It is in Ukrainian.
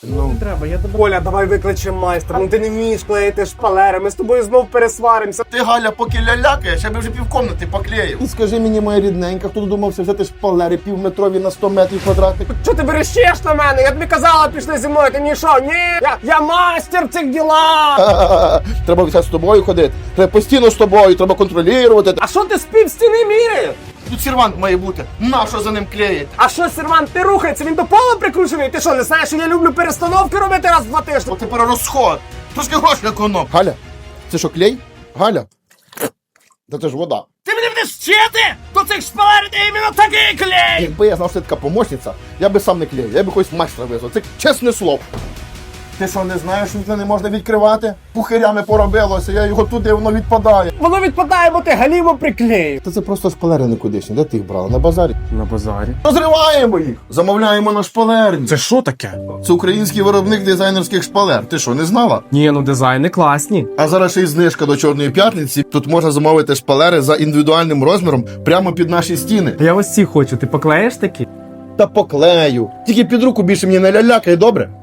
Ну, треба, я тебе... Оля, давай викличемо майстра. Ну ти не вмієш клеїти шпалери, ми з тобою знов пересваримося. Ти, Галя, поки лялякаєш, я би вже півкомнати поклеїв. І скажи мені, моя рідненька, хто додумався взяти шпалери півметрові на 100 метрів квадратних? Чого ти верещиш на мене? Я тобі казала, пішли зі мною, ти не йшов. Ні, я мастер в цих ділах. Треба все з тобою ходити. Треба постійно з тобою, треба контролювати. А що ти з півстіни міряєш? Тут сервант має бути. Нащо за ним клеїти? А що, сервант, ти рухається, він до пола прикручений? Ти що, не знаєш, що я люблю перестановки робити раз в 2 тижні? От тепер розход. Трошки грошей економ. Галя, це що, клей? Галя? Та це ж вода. Ти мене будеш вчити? До цих шпалер ти іменно такий клей! Якби я знав, що ти така помощниця, я би сам не клеїв, я би якогось майстра визвав. Це чесне слово. Ти що, не знаєш, що вікна не можна відкривати? Пухирями поробилося, я його туди, воно відпадає. Воно відпадає, бо ти галімо приклеїв. Та це просто шпалери никудишні. Де ти їх брала? На базарі? На базарі. Розриваємо їх! Замовляємо на шпалерні. Це що таке? Це український виробник дизайнерських шпалер. Ти що, не знала? Ні, ну дизайни класні. А зараз ще й знижка до Чорної п'ятниці. Тут можна замовити шпалери за індивідуальним розміром прямо під наші стіни. Я ось ці хочу, ти поклеїш такі? Та поклею. Тільки під руку більше мені не лялякай, добре?